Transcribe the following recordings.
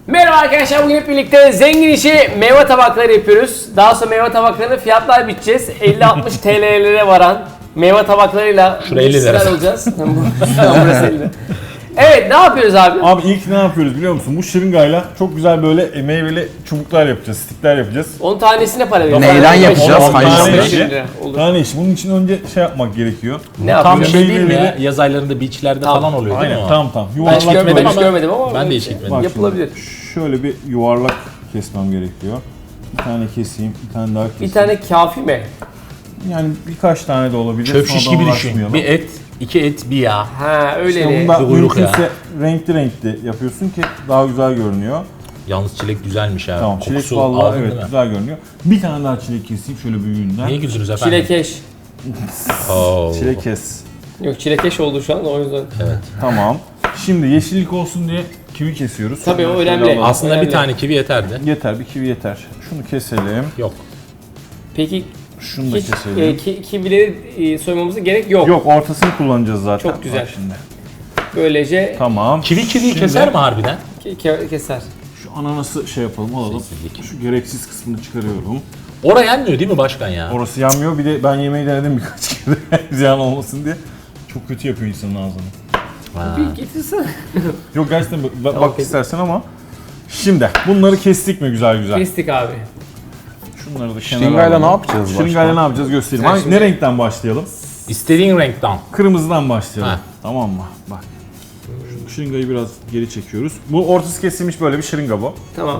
Merhaba arkadaşlar, bugün hep birlikte zengin işi meyve tabakları yapıyoruz. Daha sonra meyve tabaklarını fiyatlar biteceğiz. 50-60 TL'lere varan meyve tabaklarıyla Şuraya 50 lira alacağız. Burası 50 lira. Evet, ne yapıyoruz abi? Abi ilk ne yapıyoruz biliyor musun? Bu şırıngayla çok güzel böyle meyveli çubuklar yapacağız, stikler yapacağız. Onun tanesine para veriyoruz. Neyden yapacağız? Ondan Hangisini? tane işi. Olur. Tane iş. Bunun için önce şey yapmak gerekiyor. Ne Tam yapıyoruz? şey değil mi ya? Meyveleri- Yaz aylarında beachlerde Tamam. falan oluyor değil mi Aynen o? tamam. Ben hiç Yuvarlak görmedim, böyle. hiç görmedim ama Ben de hiç gitmedim. Bak şimdi, yapılabilir. şöyle bir yuvarlak kesmem gerekiyor. Bir tane keseyim, bir tane daha keseyim. Bir tane kafi mi? Yani birkaç tane de olabilir. Çöp şiş Sonradan gibi düşün. uğraşmayalım. Bir et, iki et, bir yağ. Ha öyle İşte de. bunu da Bir kuyruk mümkünse renkli yapıyorsun ki daha güzel görünüyor. Yalnız çilek güzelmiş ha. Tamam, çilek Kokusu vallahi aldın evet değil mi? güzel görünüyor. Bir tane daha çilek keseyim şöyle büyüğünden. Niye güldünüz efendim? Çilekeş. Oo. Çilek kes. Yok, çilekeş oldu şu an, o yüzden. Evet. Tamam. Şimdi yeşillik olsun diye kivi kesiyoruz. Tabii, o Şöyle önemli. alalım. Aslında Önemli. bir tane kivi yeterdi. Yeter, bir kivi yeter. Şunu keselim. Yok. Peki Şunu da hiç keselim. kivileri soymamıza gerek yok. Yok, ortasını kullanacağız zaten. Çok güzel. Bak şimdi. Böylece Tamam. Kiviyi Şimdi keser mi harbiden? keser. Şu ananası şey yapalım, alalım. Sessizlik. Şu gereksiz kısmını çıkarıyorum. Oraya yenmiyor değil mi başkan ya? Orası yanmıyor. Bir de ben yemeği denedim birkaç kere. Ziyan olmasın diye. Çok kötü yapıyor insanın ağzını. Ha. Bir getirsene. Yok gerçekten bak Tamam, istersen ama. Şimdi bunları kestik mi güzel güzel? Kestik abi. Şunları da kenara Şırıngayla alalım. ne yapacağız başka? Şırıngayla ne yapacağız göstereyim. Sen Hangi, şimdi- ne renkten başlayalım? İstediğin renkten. Kırmızıdan başlayalım. Ha. Tamam mı? Bak. Şu şırıngayı biraz geri çekiyoruz. Bu ortası kesilmiş böyle bir şırınga bu. Tamam.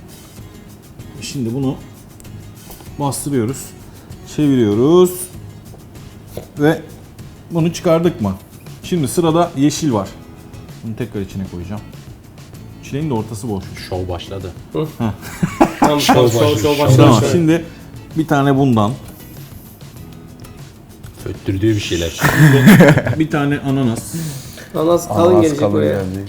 Şimdi bunu bastırıyoruz. Çeviriyoruz. Ve bunu çıkardık mı? Şimdi sırada yeşil var. Bunu tekrar içine koyacağım. Çileğin de ortası boş. Şov başladı. Tamam, şov başladı. Tamam. Şimdi bir tane bundan. Föttürdüğü bir şeyler. Bir tane ananas. Ananas kalın Ananas gelecek kalın buraya. geldi.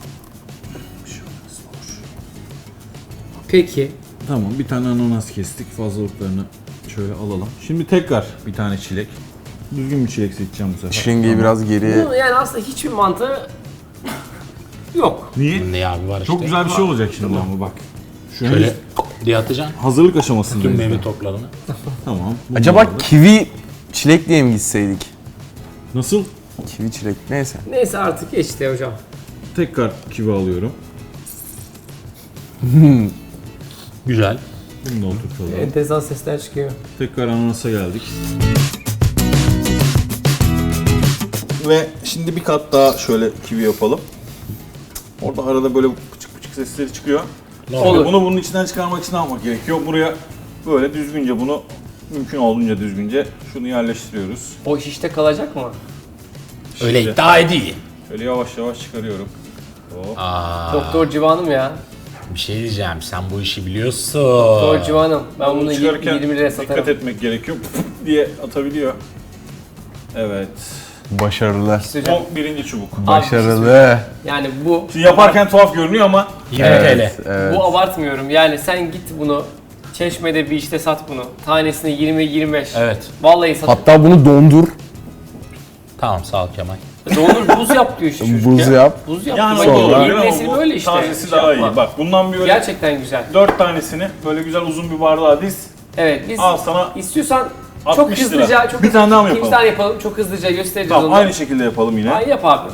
Peki. Tamam, bir tane ananas kestik. Fazlalıklarını şöyle alalım. Şimdi tekrar bir tane çilek. Düzgün bir çilek seçeceğim bu sefer. Şırıngayı biraz geriye... Bu yani aslında hiçbir mantığı yok. Niye? Ne abi var işte. Çok güzel bir şey olacak şimdi ama bak. Şu henüz Şöyle diye atacaksın. hazırlık Tüm aşamasındayız. meyve daha. toplarını. Tamam. bunu Acaba aldık. kivi çilek diye mi gitseydik? Nasıl? Kivi çilek neyse. Neyse artık geçti hocam. Tekrar kivi alıyorum. Güzel. Bunu da oturtalım. Enteresan sesler çıkıyor. Tekrar ananasa geldik. Ve şimdi bir kat daha şöyle kivi yapalım. Orada arada böyle pıçık pıçık sesleri çıkıyor. Olur. Bunu bunun içinden çıkarmak için ne yapmak gerekiyor? Buraya böyle düzgünce bunu mümkün olduğunca düzgünce şunu yerleştiriyoruz. O şişte kalacak mı? Öyle Şimdi iddia edeyim. Şöyle yavaş yavaş çıkarıyorum. Hop. Aa, Doktor Civan'ım ya. bir şey diyeceğim. Sen bu işi biliyorsun. Doktor Civan'ım. Ben bunu Çıkarırken 20 liraya dikkat satarım. etmek gerekiyor. diye atabiliyor. Evet. Başarılı. Hocam, O birinci çubuk. Başarılı. yani bu Şimdi yaparken tuhaf görünüyor ama 20 Evet, TL. evet. bu abartmıyorum. Yani sen git bunu Çeşme'de bir işte sat bunu. Tanesini 20-25. Evet. Vallahi sat. Hatta bunu dondur. Tamam sağ ol Kemal. Dondur buz yap diyor işte çocuk Buz ya. yap. Buz yap. yani Bak, o da Sonra- olabilir yeni ama nesil bu böyle işte. tazesi Şey daha yapma. iyi. Bak bundan bir öyle Gerçekten güzel. 4 tanesini böyle güzel uzun bir bardağa diz. Evet, biz Al sana istiyorsan 60 çok lira. hızlıca, çok Bir tane daha mı İkinci yapalım? tane yapalım. Çok hızlıca göstereceğiz Tamam onu. aynı şekilde yapalım yine. Ay yap abi.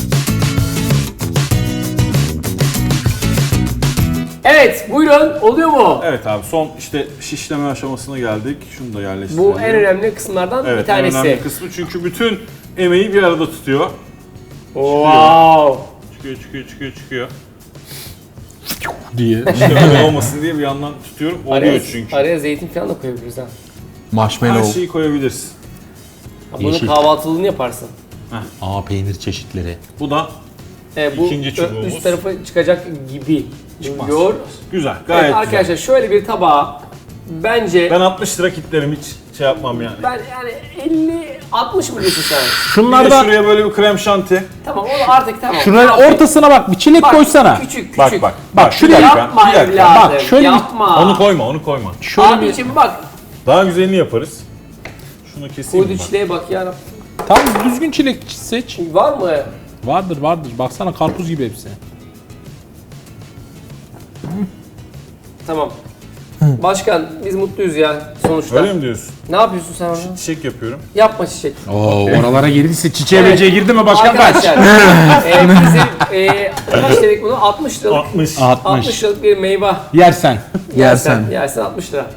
Evet, buyurun. Oluyor mu? Evet abi son işte şişleme aşamasına geldik. Şunu da yerleştirelim. Bu en önemli kısımlardan evet, bir tanesi. en önemli kısmı çünkü bütün emeği bir arada tutuyor. Wow. Çıkıyor. Diye. İşte öyle olmasın diye bir yandan tutuyorum. Oluyor Araya, çünkü. araya zeytin falan da koyabiliriz ha. Her Marshmallow. şeyi koyabiliriz. Bunu Yeşil. kahvaltılığını yaparsın. Aa peynir çeşitleri. Bu da Bu İkinci çubuğumuz. üst tarafa çıkacak gibi. Çıkmaz. Gör. güzel. Evet Gayet arkadaşlar güzel. şöyle bir tabağa bence Ben 60 lira kitlerim hiç şey yapmam yani. ben yani 50-60 mı diyorsun sen? Bir de Şunlardan şuraya böyle bir krem şanti. Tamam onu artık tamam. şunların Tamam. ortasına bak bir çilek Bak, koysana. Küçük. Bak Bir dakika, Yapma bir dakika. evladım. Bak, şöyle bir- yapma. Onu koyma. Şöyle bir Abicim bak. Daha güzelini yaparız. Şunu keseyim Koydu mi bak? çileğe bak ya. tam düzgün çilek seç. Var mı? Vardır. Baksana karpuz gibi hepsi. Tamam. Başkan biz mutluyuz ya sonuçta. Öyle mi diyorsun? Ne yapıyorsun sen orada? Çiçek yapıyorum. Yapma çiçek. Oo, oralara girdiyse çiçeğe Evet. böceğe girdi mi başkan kaç? Arkadaşlar bizim kaç dedik bunu? 60 liralık. 60. 60 liralık bir meyve. Yersen. Yersen. Yersen 60 lira.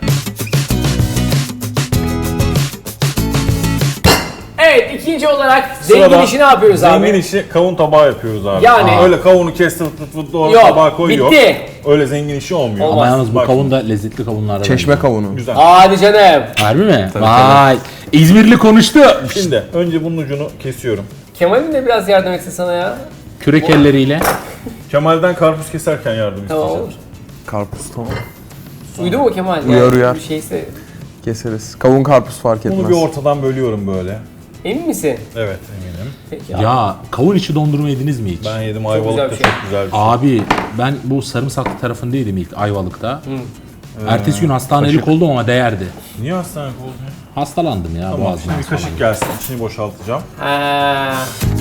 Evet ikinci olarak zengin Sırada işi ne yapıyoruz abi? Zengin işi kavun tabağı yapıyoruz abi. Yani- Öyle kavunu kes fıt fıt fıt doğru Yok, tabağa koyuyor. bitti. Öyle zengin işi olmuyor. Olmaz. Ama yalnız bu Bak, kavun da lezzetli kavunlardan. Çeşme kavunu. Güzel. Hadi canım. Harbi mi? Vay. İzmirli konuştu. Şimdi önce bunun ucunu kesiyorum. Kemal'in de biraz yardım etse sana ya. Kürek elleriyle. Kemal'den karpuz keserken yardım Tamam isteyeceğim. olur. Karpuz tamam. Uydu mu Kemal? Uyar, uyar. Bir şeyse. Keseriz. Kavun karpuz fark etmez. Bunu bir ortadan bölüyorum böyle. Emin misin? Evet eminim. Peki. Ya kavun içi dondurma yediniz mi hiç? Ben yedim güzel Ayvalık'ta bir şey. çok güzel bir şey. Abi ben bu sarımsaklı tarafındaydım ilk Ayvalık'ta. Ertesi gün hastanelik oldum ama değerdi. Niye hastanelik oldun ya? Hastalandım ya Tamam boğazımdan şimdi bir kaşık falan. gelsin. İçini boşaltacağım. Ha.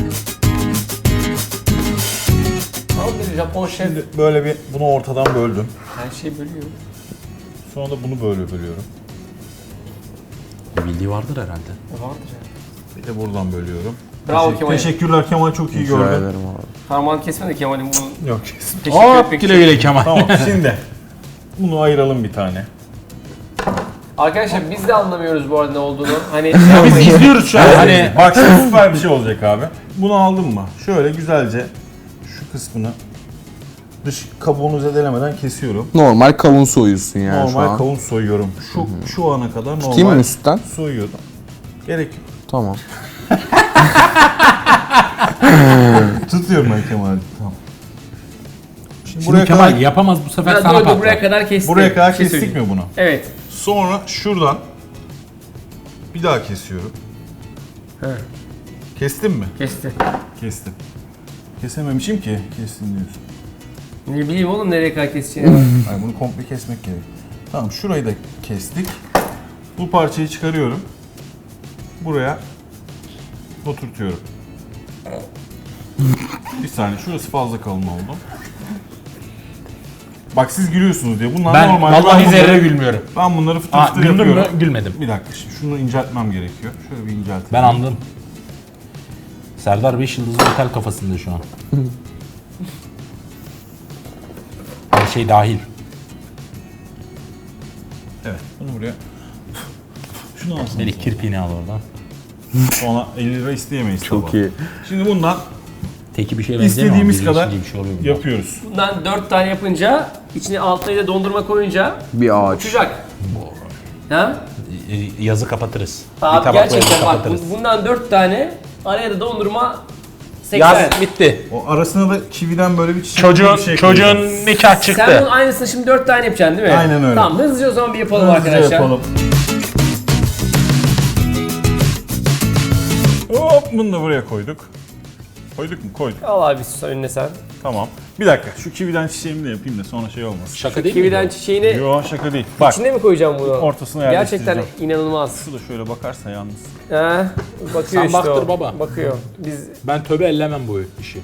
Tam bir Japon şef. Şimdi böyle bir bunu ortadan böldüm. Her şeyi bölüyor. Sonra da bunu böyle bölüyorum. Bir bildiği vardır herhalde. Vardır ya. Bir de buradan bölüyorum. Bravo Kemal. Teşekkürler Kemal çok iyi Rica gördün. ederim abi. Parmağını kesme de Kemal'in bunu Yok kesin. teşekkür Hop etmek güle için. güle Kemal. Tamam şimdi bunu ayıralım bir tane. Arkadaşlar biz de anlamıyoruz bu arada ne olduğunu. Hani Biz izliyoruz şu an. Hani Bak şimdi süper bir şey olacak abi. Bunu aldın mı? Şöyle güzelce şu kısmını dış kabuğunu zedelemeden kesiyorum. Normal kavun soyuyorsun yani şu Normal an. kavun soyuyorum. Şu ana kadar Tutayım mı normal üstten? soyuyordum. Gerek yok. Tamam. Tutuyorum ben Kemal'i. Tamam. Şimdi, Şimdi Kemal yapamaz bu sefer sana dur, patlar. buraya kadar kestik. buraya kadar Bir şey kestik söyleyeyim. mi bunu? Evet. Sonra şuradan bir daha kesiyorum. Kestim mi? Kesti. Kestim. Kesememişim ki. Kestim diyorsun. Ne bileyim oğlum nereye kadar keseceğini. Ay bunu komple kesmek gerek. Tamam şurayı da kestik. Bu parçayı çıkarıyorum. Buraya oturtuyorum. Bir saniye şurası fazla kalın oldu. Bak siz gülüyorsunuz diye. Bunlar Ben normal. vallahi zerre bunları, gülmüyorum. ben bunları fıtır Ha, fıtır güldün mü? yapıyorum. Gülmedim. Bir dakika şimdi şunu inceltmem gerekiyor. Şöyle bir inceltelim. Ben anladım. Serdar 5 yıldızlı otel kafasında şu an. Her şey dahil. Evet bunu buraya. Şunu alsın. Melih kirpiğini al oradan. Sonra 50 lira isteyemeyiz. Çok tabağa. iyi. Şimdi bundan Teki bir şey benzemiyor ama istediğimiz biri kadar içince bir şey oluyor bunda. yapıyoruz. Bundan 4 tane yapınca içine altına da dondurma koyunca Bir ağaç. uçacak. Ha? Yazı kapatırız. bir Abi tabakla gerçekten yazı bak kapatırız. bundan 4 tane araya da dondurma 80. Yaz bitti. O arasına da kividen böyle bir çiçek gibi bir şey koyacağız. nikah Sen bunun aynısını şimdi 4 tane yapacaksın değil mi? Aynen öyle. Tamam hızlıca o zaman bir yapalım Hızlıca arkadaşlar. yapalım. Hop bunu da buraya koyduk. Koyduk mu? Koyduk. Al abi sus önüne sen. Tamam. Bir dakika şu kividen çiçeğimi de yapayım da sonra şey olmasın. Şaka değil Kividen mi? çiçeğini Yo şaka değil. Bak içine mi koyacağım bunu? ortasına Gerçekten yerleştireceğim. inanılmaz. Şu da şöyle bakarsa yalnız. Ha? Bakıyor Sen işte baktır o. baba. Bakıyor. Biz Ben tövbe ellemem bu işi.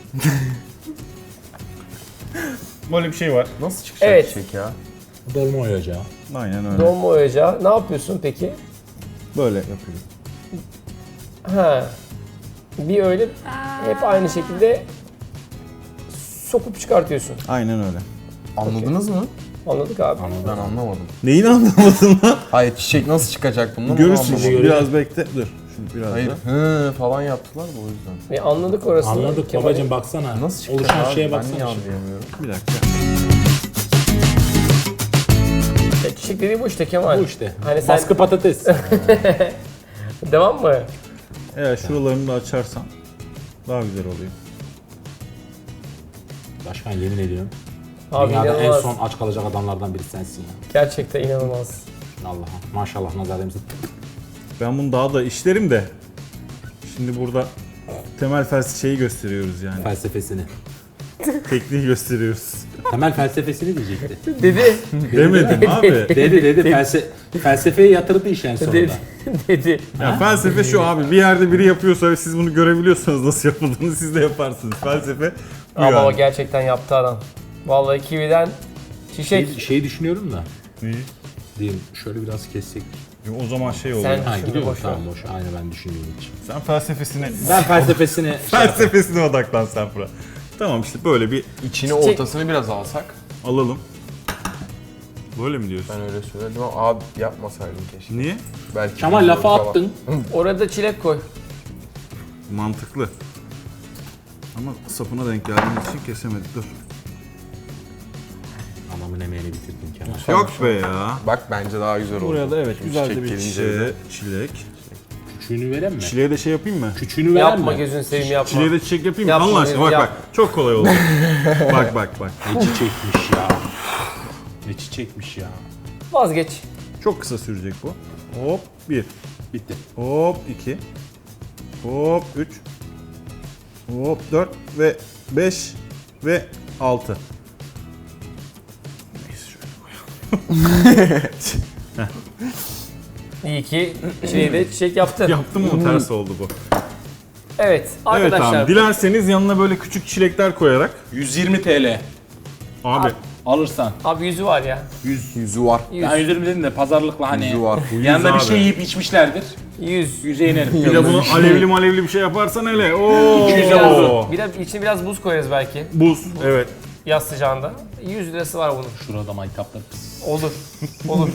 Böyle bir şey var. Nasıl çıkacak Evet. çiçek ya? Dolma oyacağı. Aynen öyle. dolma oyacağı. Ne yapıyorsun peki? Böyle yapıyorum. Ha. Bir öyle hep aynı şekilde sokup çıkartıyorsun. Aynen öyle. Anladınız mı? Anladık abi. Ben anlamadım. Neyin anlamadın lan? Hayır çiçek nasıl çıkacak bundan? onu Görürsün anlamadım. şimdi. Biraz bekle. Dur. Şimdi biraz Hayır da. hı falan yaptılar da o yüzden. Ve anladık orasını. Anladık Kemal'in- babacım baksana. Nasıl çıkacak Oluşan abi? şeye Ben baksana. niye şimdi. anlayamıyorum? Bir dakika. Ya çiçek dediği bu işte Kemal. Bu işte. Hani sen Baskı patates. devam mı? Eğer şuralarını da açarsan daha güzel oluyor. Başkan yemin ediyorum. Abi Dünyada en inanılmaz. son aç kalacak adamlardan biri sensin ya. Gerçekten inanılmaz. Allah'a. Maşallah nazar değmesin. Ben bunu daha da işlerim de. Şimdi burada temel şeyi gösteriyoruz yani. Felsefesini. Tekniği gösteriyoruz. Temel felsefesini diyecekti. Dedi. Demedim abi. Dedi. Felsefeye yatırdı iş en sonunda. dedi. Dedi. Ya felsefe şu abi. Bir yerde biri yapıyorsa ve siz bunu görebiliyorsanız nasıl yapıldığını siz de yaparsınız. Felsefe bu Ama o yani. gerçekten yaptı adam. Vallahi kividen Çiçek. Şey düşünüyorum da. İyi. Diyeyim şöyle biraz kessek. O zaman şey olur. Sen- Ha Şimdi gidiyor mu? boş ver. Tamam boş. Aynı ben düşünüyorum hiç. Sen felsefesine Ben felsefesini felsefesine odaklan sen Fırat. Tamam işte böyle bir İçini Çiçek- ortasını biraz alsak. alalım. Böyle mi diyorsun? Ben öyle söyledim ama abi yapmasaydım keşke. Niye? Belki Kemal güzel lafa olur falan. attın. Orada çilek koy. Mantıklı. Ama sapına denk geldiğimiz için kesemedik. Dur. Anamın emeğini bitirdin Kemal. Yok be ya. Bak bence daha güzel oldu. Buraya da evet Şimdi güzel de çiçek bir gelince çilek. Küçüğünü veren mi? Çileğe de şey yapayım mı? Küçüğünü veren Yapma mi? gözünü seveyim yapma. Çileğe de çiçek yapayım mı? Yapma, Allah aşkına bak yap. bak. Çok kolay oldu. bak. Ne çiçekmiş ya. Ne çiçekmiş ya. Vazgeç. Çok kısa sürecek bu. Hop 1. Bitti. Hop 2. Hop 3. Hop 4 ve 5 ve 6. İyi ki çileği çiçek yaptın. Yaptım mı ters oldu bu. Evet Evet arkadaşlar. abi dilerseniz yanına böyle küçük çilekler koyarak. 120 TL. Abi Alırsan. Abi yüzü var ya. yüzü var. 100. Ben 120 dedim de pazarlıkla hani Yüzü var. yanında bir abi. şey yiyip içmişlerdir. 100. 100'e inerim. bir de bunu alevli bir şey yaparsan hele. Oo. 200 Biraz, içine biraz buz koyarız belki. Buz. Evet. Yaz sıcağında. 100 lirası var bunun. Şurada maytaplar. Olur. Olur.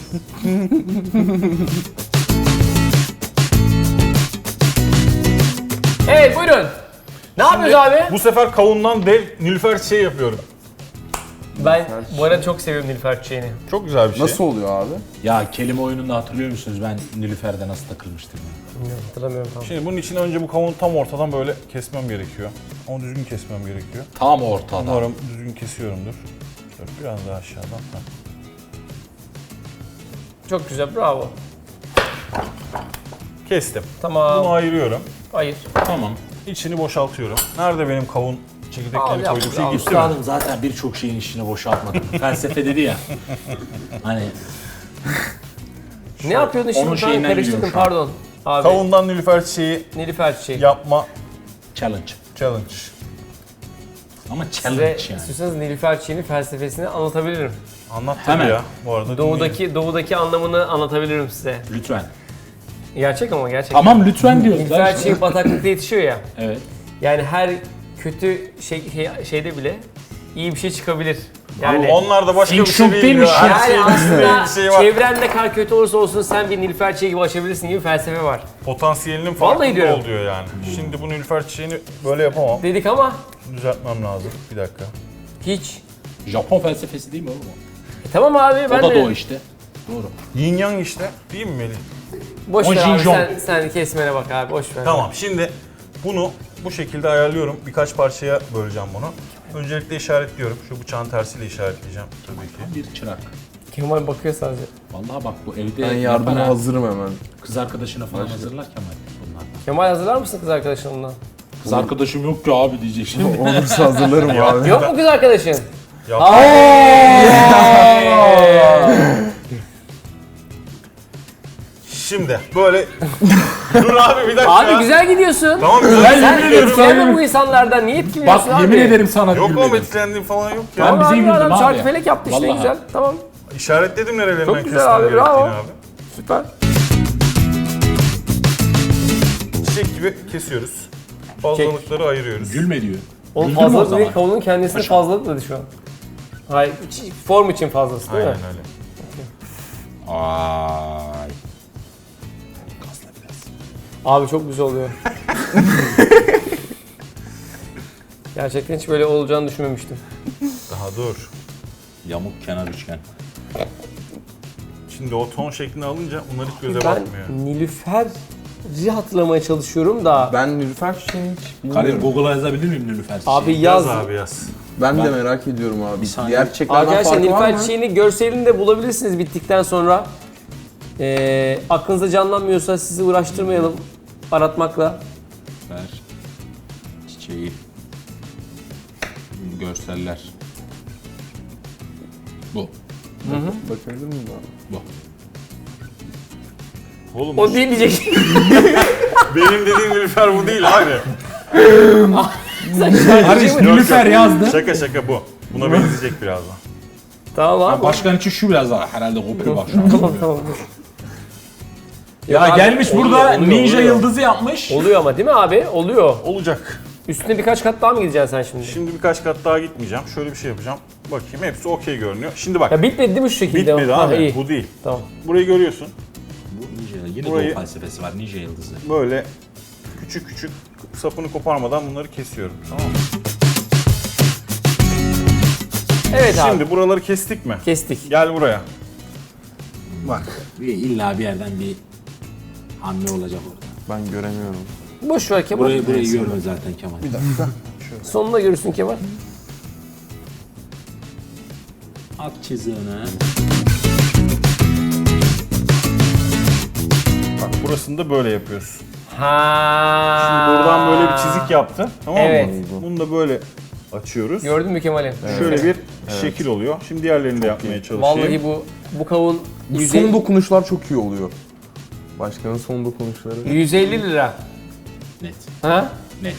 Evet buyurun. Ne yapıyoruz abi? Bu sefer kavundan dev nilüfer çiçeği yapıyorum. Ben bu arada çok seviyorum Nilüfer çiçeğini. Çok güzel bir şey. Nasıl oluyor abi? Ya kelime oyununda hatırlıyor musunuz ben Nilüfer'de nasıl takılmıştım ya? Bilmiyorum, hatırlamıyorum tam. Şimdi bunun için önce bu kavunu tam ortadan böyle kesmem gerekiyor. Onu düzgün kesmem gerekiyor. Tam ortada. Umarım düzgün kesiyorumdur. Şöyle biraz daha aşağıdan. Ha. Çok güzel bravo. Kestim. Tamam. Bunu ayırıyorum. Hayır. Tamam. İçini boşaltıyorum. Nerede benim kavun Al, çekirdeklerini yap, koyduğum şey al. gitti mi? Üstadım zaten birçok şeyin içine boşaltmadım. Felsefe dedi ya. Hani Ne yapıyordun şimdi? onun Ben şeyinden karıştırdım gidiyorum şu an. pardon. Abi. Kavundan nilüfer çiçeği Nilüfer çiçeği. yapma challenge. challenge. Ama Size challenge yani. istiyorsanız Nilüfer çiçeğinin felsefesini anlatabilirim. Anlat tabii Hemen. ya. Bu arada dinleyin. Doğudaki anlamını anlatabilirim size. Lütfen. Gerçek ama gerçek. Tamam lütfen diyoruz. Nilüfer lan. çiçeği bataklıkta yetişiyor ya. Evet. Yani her kötü şeyde bile iyi bir şey çıkabilir. Yani Abi onlar da başka Feng bir şey Shui değil değilmiş ya. ya. Her şeyin yani aslında bir şey var. çevrende kar kötü olursa olsun sen bir Nilüfer çiçeği gibi açabilirsin gibi felsefe var. Potansiyelinin Vallahi farkında diyorum. ol diyor yani. Şimdi bu nilüfer çiçeğini böyle yapamam. Dedik ama Düzeltmem lazım. Bir dakika. hiç. Japon felsefesi değil mi oğlum o? Tamam abi ben O da de doğu işte. Doğru. Yin yang işte. Değil mi Melih? boş O ver abi Jinjong. sen kesmene bak abi boş ver. Tamam şimdi bunu bu şekilde ayarlıyorum. Birkaç parçaya böleceğim bunu. Öncelikle işaretliyorum. Şu bıçağın tersiyle işaretleyeceğim tabii ki. Bir çırak. Kemal bakıyor sadece. Vallahi bak bu evde Ben yardıma yapana, hazırım hemen. kız arkadaşına falan hazırlar Kemal bunlar. Kemal hazırlar mısın kız arkadaşınla? Kız arkadaşım yok ki abi diyecek şimdi. Olursa hazırlarım abi. Yok mu kız arkadaşın? Yap. Şimdi böyle dur abi bir dakika. Abi güzel gidiyorsun. Tamam güzel. Sen yemin ediyorum etkilenme bu insanlardan. Niye etkileniyorsun Bak abi? yemin ederim sana Yok oğlum gülmedim. etkilendiğim falan yok ya. Ben Tamam bize abi, güldüm adam abi. çarkı felek yaptı işte Vallahi. güzel. Tamam İşaretledim nerelerinden Çok güzel kesmem abi, gerektiğini bravo. abi. süper. Çiçek gibi kesiyoruz. Fazlalıkları ayırıyoruz. Gülme diyor. Oğlum Güldün mü o fazlalık zaman? değil, kavunun kendisinde fazlalık dedi şu an. Hayır, form için fazlası değil Aynen mi? öyle. Ay. Gazla biraz. Abi çok güzel oluyor. Gerçekten hiç böyle olacağını düşünmemiştim. Daha dur. Yamuk kenar üçgen. Şimdi o ton şeklini alınca bunlar hiç göze Ben batmıyor. Nilüfer'i hatırlamaya çalışıyorum da. Ben Nilüfer çiçeğini hiç Kadir bilmiyorum. Google'a yazabilir miyim Nilüfer çiçeği? Abi Yaz yaz. abi yaz. Ben de merak ediyorum abi. Bir saniye. Diğer çiçeklerden Arkadaşlar farkı var Nilüfer mı? çiçeğini görselini de bulabilirsiniz bittikten sonra. Aklınıza canlanmıyorsa sizi uğraştırmayalım aratmakla. Ver. Çiçeği. Görseller. Bu. Bakabilir miyim abi? Bu. Oğlum O değil diyecek. benim dediğim Nilüfer bu değil abi. Sen şarkıcı mı? Nilüfer yazdı. Şaka bu. Buna benzeyecek birazdan. Tamam abi. Başkan için şu biraz daha herhalde kopuyor bak şu an. Tamam. Ya Yok abi, gelmiş oluyor, burada oluyor, ninja oluyor. yıldızı yapmış. Oluyor ama değil mi abi? Oluyor. Olacak. Üstüne birkaç kat daha mı gideceksin sen şimdi? Şimdi birkaç kat daha gitmeyeceğim. Şöyle bir şey yapacağım. Bakayım hepsi okey görünüyor. Şimdi bak. Ya bitmedi değil mi şu şekilde? Bitmedi Ha, abi. iyi. Bu değil. Tamam. Burayı görüyorsun. Bu ninja, yine Burayı- doğu felsefesi var ninja yıldızı. Böyle küçük küçük sapını koparmadan bunları kesiyorum. Tamam mı? Evet abi. Şimdi buraları kestik mi? Kestik. Gel buraya. Bak. İlla bir yerden bir hamle olacak orada. Ben göremiyorum. Boş ver Kemal. Burayı görme zaten Kemal. Bir dakika. Sonunda görürsün Kemal. At çiziğini. Bak burasını da böyle yapıyoruz. Ha. Şimdi buradan böyle bir çizik yaptı. Tamam Evet. mı? Bunu da böyle açıyoruz. Gördün mü Kemal'im? Şöyle bir şekil oluyor. Şimdi diğerlerini de yapmaya çalışayım. Vallahi bu kavun Bu 150, son dokunuşlar çok iyi oluyor. Başkanın son dokunuşları. 150 lira. Net. Ha? Net.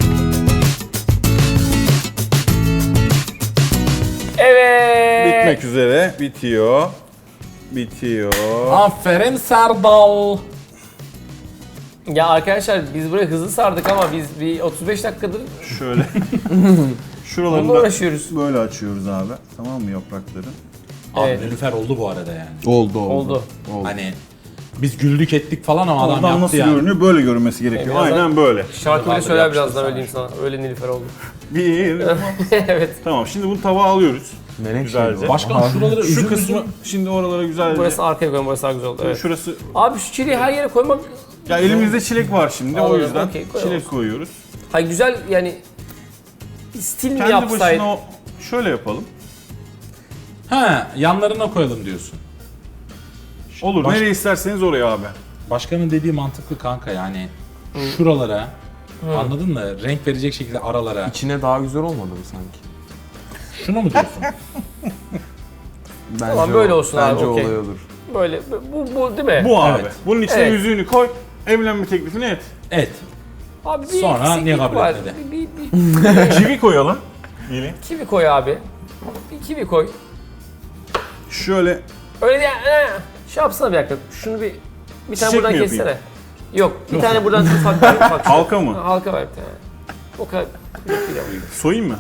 Evet. Bitmek üzere. Bitiyor. Bitiyor. Aferin Serdal. Ya arkadaşlar biz buraya hızlı sardık ama biz bir 35 dakikadır Şöyle. Şuralarını bununla da uğraşıyoruz. böyle açıyoruz abi. Tamam mı yaprakları? Abi Evet. Nilüfer oldu bu arada yani. Oldu. Hani biz güldük ettik falan ama adam Oradan yaptı nasıl yani. görünüyor? Böyle görünmesi gerekiyor. birazdan- Aynen böyle. Şarkı bile Abi söyler yapıştır birazdan sana öyle diyeyim sana. Öyle Nilüfer oldu. Bir. Evet. Tamam şimdi bunu tabağa alıyoruz. Melek Güzelce. şey bu. Başkan şuraları Şu üzüm kısmı üzüm. şimdi oralara güzelce. Burası arkaya koyalım, burası daha güzel oldu. Evet. Şurası. Abi şu çileği her yere koymak... Ya elimizde çilek var şimdi o Anladım, yüzden okey, koyalım. çilek koyuyoruz. Ay güzel yani... Stil mi Kendi yapsaydı? başına o şöyle yapalım. Ha yanlarına koyalım diyorsun. Olur. Baş- Nereye isterseniz oraya abi. Başkanın dediği mantıklı kanka yani. Şuralara anladın mı? Renk verecek şekilde aralara. İçine daha güzel olmadı mı sanki? Şunu mu diyorsun? Bence Tamam, böyle olsun abi, bence okey. olay olur. Böyle, bu değil mi? Bu abi. Evet. Bunun içine Evet. yüzüğünü koy. Evlenme teklifini et. Et. Abi bir Sonra eksiklik niye kabul var. etmedi? Bir Çivi koyalım. Gelin. kivi koy abi. Bir kivi koy. Şöyle Öyle ya, şey yapsana bir dakika. Şunu bir tane Çiçek buradan mi yapayım? kessene. Yok, bir tane buradan ufak bir ufak. şey. halka mı? Halka ver bir tane. O kadar. Soyayım mı?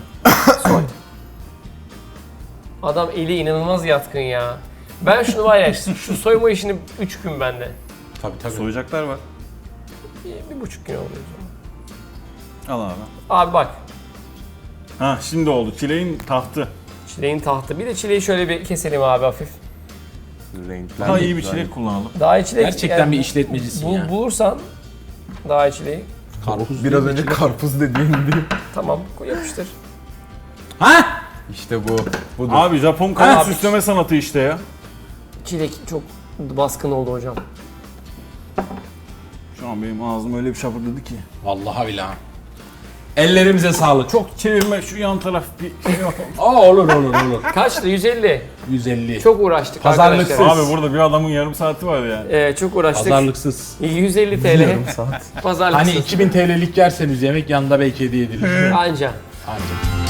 Adam eli inanılmaz yatkın ya. Ben şunu var ya, şu soyma işini 3 gün bende. Tabii. Soyacaklar var. 1,5 gün oluyor. Al abi. Abi bak, Ha şimdi oldu. Çileğin tahtı. çileğin tahtı. Bir de çileği şöyle bir keselim abi hafif. Renkler Daha de iyi bir güzel. çilek kullanalım. Daha iyi çilek. Gerçekten bir işletmecisin ya. Bulursan daha iyi çileği. Karpuz Biraz değil mi? önce karpuz dediğindi. Tamam, koy yapıştır. Ha? İşte bu. Budur. Abi Japon kanat Abi. süsleme sanatı işte ya. Çilek çok baskın oldu hocam. Şu an benim ağzım öyle bir şapırdadı ki. Vallahi billahi. Ellerimize sağlık. Çok çevirme şu yan taraf bir şey yapalım. Olur. Kaçtı? 150. 150. Çok uğraştık Pazarlıksız. arkadaşlar. Abi burada bir adamın yarım saati var yani. Çok uğraştık. Pazarlıksız. 150 TL. Pazarlıksız. Hani 2000 TL'lik yerseniz yemek yanında belki hediye edilir. Anca. Ancak.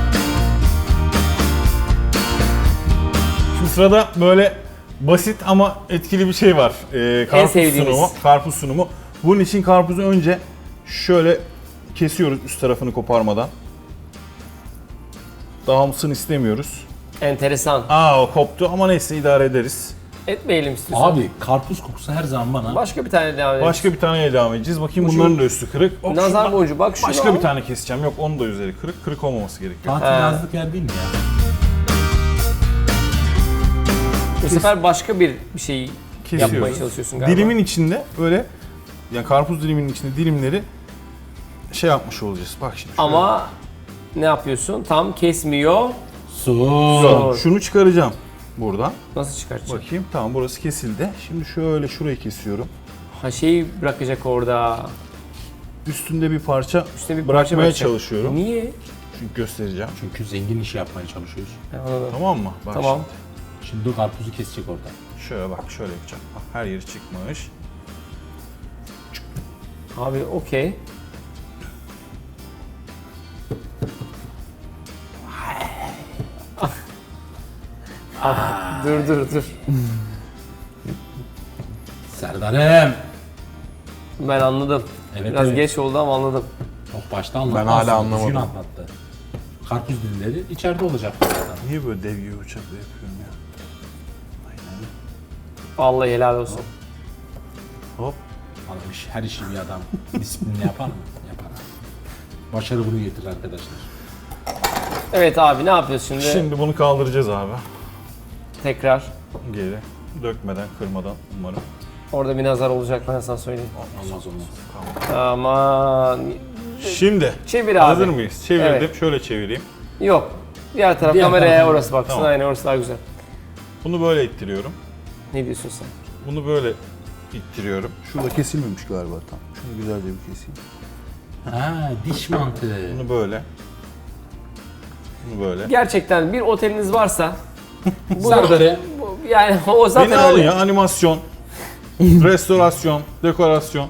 Şu sırada böyle basit ama etkili bir şey var. Karpuz sevdiğimiz. sunumu. Karpuz sunumu. Bunun için karpuzu önce şöyle kesiyoruz üst tarafını koparmadan. Dağılsın istemiyoruz. Enteresan. O koptu ama neyse idare ederiz. Etmeyelim istiyorsan. Abi karpuz kokusu her zaman bana. Başka bir tane devam edelim. Başka bir taneye devam edeceğiz. Bakayım bunların da üstü kırık. Hop, Nazar şuradan boncuğu bak şunu başka al. bir tane keseceğim. Yok onun da üzeri kırık. Kırık olmaması gerekiyor. Tatil yazlık yer değil mi ya? Bu sefer başka bir şey yapmaya Kesiyoruz. çalışıyorsun galiba. Dilimin içinde böyle yani karpuz diliminin içinde dilimleri şey yapmış olacağız. Bak şimdi. şöyle. Ama ne yapıyorsun? Tam kesmiyor. Su. Şunu çıkaracağım buradan. Nasıl çıkartacak? Bakayım tamam burası kesildi. Şimdi şöyle şurayı kesiyorum. Ha şeyi bırakacak orada. Üstünde bir parça Üstüne bir parça bırakmaya bırakacak. çalışıyorum. Niye? Çünkü göstereceğim. Çünkü zengin işi yapmaya çalışıyoruz. Ha, anladım. Tamam mı? Bak Tamam. Şimdi o karpuzu kesecek orada. şimdi. Şöyle bak şöyle yapacağım. Bak, her yeri çıkmış. Abi okey. Dur. Serdar'ım. Ben anladım. Evet, Biraz evet. geç oldu ama anladım. Çok başta anlattı. Ben hala aslında, anlamadım. düzgün anlattı. Karpuz dilleri içeride olacak zaten. Niye böyle dev gibi bıçakla yapıyorum ya? Vallahi helal olsun. Hop. Adam her işi bir adam disiplinli yapar mı? Yapar abi. Başarı bunu getirir arkadaşlar. Evet abi ne yapıyoruz şimdi? Şimdi bunu kaldıracağız abi. Tekrar. Geri. Dökmeden, kırmadan umarım. Orada bir nazar olacak ben sana söyleyeyim. Olmaz. Aman. Şimdi Çevir abi. hazır mıyız? Çevirdim. Evet. Şöyle çevireyim. Yok. Diğer taraf Diğer kameraya tarafına. orası baksın. Tamam. Aynen orası daha güzel. Bunu böyle ittiriyorum. Ne diyorsun sen? Bunu böyle ittiriyorum. Şurada kesilmemiş galiba tam. Şunu güzelce bir keseyim. Ha, diş mantığı. Bunu böyle. Bunu böyle. Gerçekten bir oteliniz varsa Serdar'ı yani o zaten Beni alın öyle. ya, animasyon, restorasyon, dekorasyon.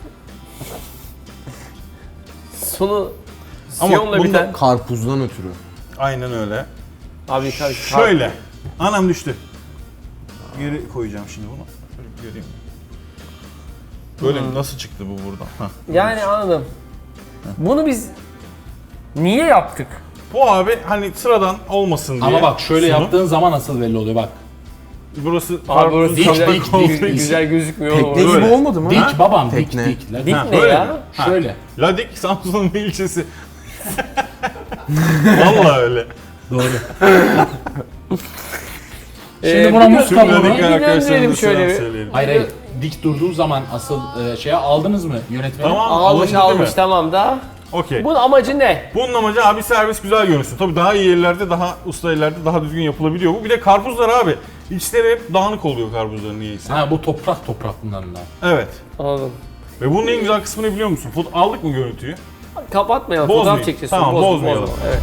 Sonu Ama siyonla bunda biten. Karpuzdan ötürü. Aynen öyle. Abi Şöyle. Anam düştü. Geri koyacağım şimdi bunu. Şöyle bir göreyim. Böyle nasıl çıktı bu buradan? Hah. Yani anladım. Bunu biz niye yaptık? Bu abi hani sıradan olmasın diye. ama bak şöyle sunum. yaptığın zaman nasıl belli oluyor bak. Burası Abi karpuzun burası çatlak güzel, olduğu güzel, için. güzel gözükmüyor. Tekne orası. gibi Böyle. olmadı mı? Dik babam, Tekne. dik. La- Dik Ha, ne öyle ya? mi? Ha. Şöyle. Ladik Samsun'un bir ilçesi. Vallahi öyle. Doğru. Şimdi buna bir muz gö- kabuğunu- bir Ladik gönderelim arkadaşlarımıza şöyle selam bir. söyleyelim. Hayır. Dik durduğun zaman asıl şeye aldınız mı yönetmeni? Tamam. Almış alındı değil mi? tamam da. Okey. Bunun amacı ne? Bunun amacı abi servis güzel görünsün. Tabii daha iyi yerlerde, daha usta yerlerde daha düzgün yapılabiliyor bu. Bir de karpuzlar abi. İçleri hep dağınık oluyor karpuzların niyeyse. Ha bu toprak bunların da. Evet. Anladım. Ve bunun en güzel kısmını biliyor musun? Aldık mı görüntüyü? Kapatmayalım. Bozmayın. Fotoğraf çekeceğiz. Tamam, Bozma, bozmayalım. bozma. Evet.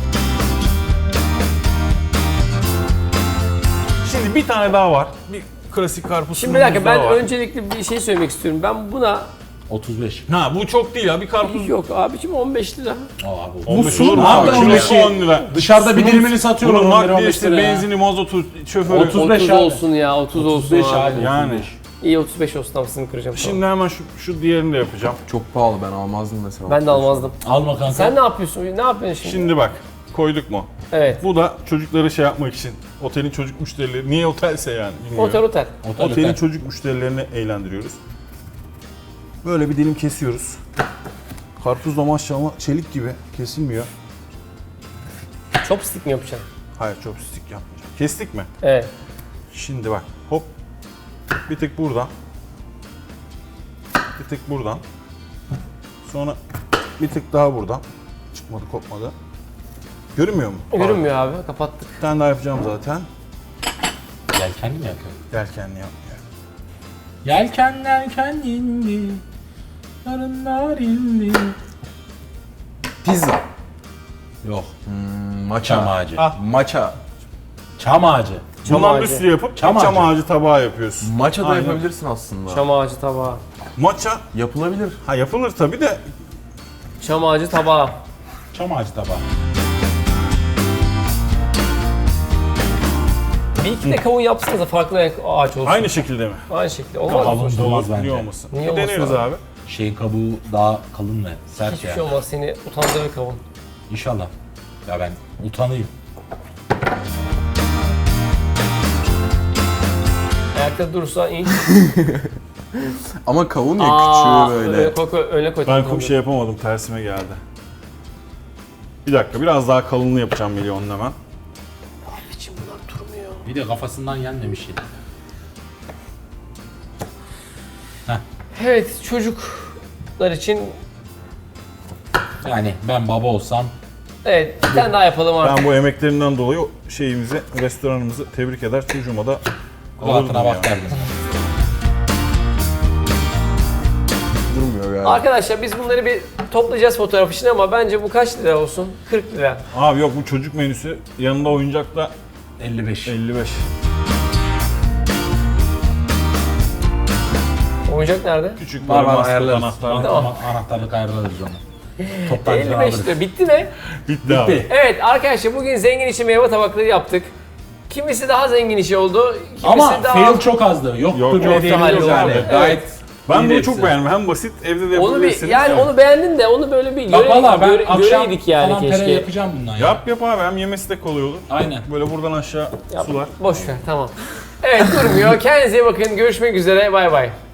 Şimdi bir tane daha var. Bir klasik karpuz Şimdi bir dakika sunumumuz ben daha var. öncelikle bir şey söylemek istiyorum. Ben buna 35. Ha bu çok değil ya. Bir karpuz yok abicim 15 lira. Aa, abi. 15 sunum olur mu abi, abi? 15'i Kilosu 10 lira. Dışarıda bir dilimini satıyorlar. Bunun 11, 15 nakliyesi, lira ya. benzini, mazotu, şoförü. 35 30 abi. olsun ya 30 olsun 35 abi. abi. Yani. 35. İyi 35 olsun tamam sizin kıracağım. Şimdi hemen şu diğerini de yapacağım. Çok pahalı, ben almazdım mesela. Ben de almazdım. Alma kanka. Sen ne yapıyorsun? Ne yapıyorsun şimdi? Şimdi bak koyduk mu? Evet. Bu da çocukları şey yapmak için. Otelin çocuk müşterileri. Niye otelse yani bilmiyorum. Otel. Otelin çocuk müşterilerini eğlendiriyoruz. Böyle bir dilim kesiyoruz. Karpuz da maşallah çelik gibi kesilmiyor. Chopstick mi yapacaksın? Hayır chopstick yapmayacağım. Kestik mi? Evet. Şimdi bak hop. Bir tık buradan. Bir tık buradan. Sonra bir tık daha buradan. Çıkmadı kopmadı. Görünmüyor mu? Görünmüyor abi. Kapattık. Bir tane daha yapacağım zaten. Yelkenli mi yapıyor? Yelkenli yapmıyor. Yelkenler indi. Narınlar indi. Pizza. Yok. Maça. Çam ağacı. Ah. Maça. Çam ağacı. Bundan ağacı. bir sürü yapıp Çam çam ağacı. ağacı tabağı yapıyorsun. Maça da Aynen. yapabilirsin aslında. Çam ağacı tabağı. Maça Yapılabilir. ha yapılır tabi de Çam ağacı tabağı. Çam ağacı tabağı. Bir iki de kavun yapsanız da farklı renk ağaç olsun. aynı şekilde mi? Aynı şekilde. Olmaz mı? Kavun da olmaz bence. Niye olmasın? Niye Bir olmasın deneriz abi? abi. Şeyin kabuğu daha kalın ve sert Hiçbir ya. şey olmaz seni utandırır kavun. İnşallah. Ya ben utanayım. Ayakta durursa in. Ama kavun ya Aa, küçüğü böyle. öne koy. Ben şey yapamadım tersime geldi. Bir dakika biraz daha kalınlığı yapacağım milyonun hemen. Abicim bunlar durmuyor. Bir de kafasından yenmemiş şey. Evet çocuklar için Yani ben baba olsam evet bir tane daha yapalım artık. Ben bu emeklerinden dolayı o şeyimizi, restoranımızı tebrik eder. Çocuğuma da alırdım rahatına ya. bak derdim. Durmuyor galiba. Arkadaşlar biz bunları bir toplayacağız fotoğraf için ama bence bu kaç lira olsun? 40 lira. Abi yok bu çocuk menüsü yanında oyuncak da 55. 55. Oyuncak nerede? Küçük Var böyle var master ayarlarız. anahtarlı. Tamam. Anahtarlık ayarlarız onu. Toptancıdan 55 alırız. lira. Bitti mi? Bitti abi. Evet arkadaşlar bugün zengin için meyve tabakları yaptık. Kimisi daha zengin işi oldu. Kimisi Ama daha... fail çok azdı. Yoktu Yok, bile yoktu, diyebiliriz hayır, yani. yok. Gayet Ben iyiydi bunu hepsi. çok beğendim. Hem basit, evde de Onu bir, yapabilirsiniz. yani onu beğendin de onu böyle bir Bak valla ben akşam göreydik yani falan keşke. pere yapacağım bundan ya. Yap abi, hem yemesi de kolay olur. Aynen. Böyle buradan aşağı Yap. sular. Boş ver tamam. Evet durmuyor. Kendinize iyi bakın. Görüşmek üzere. Bay bay.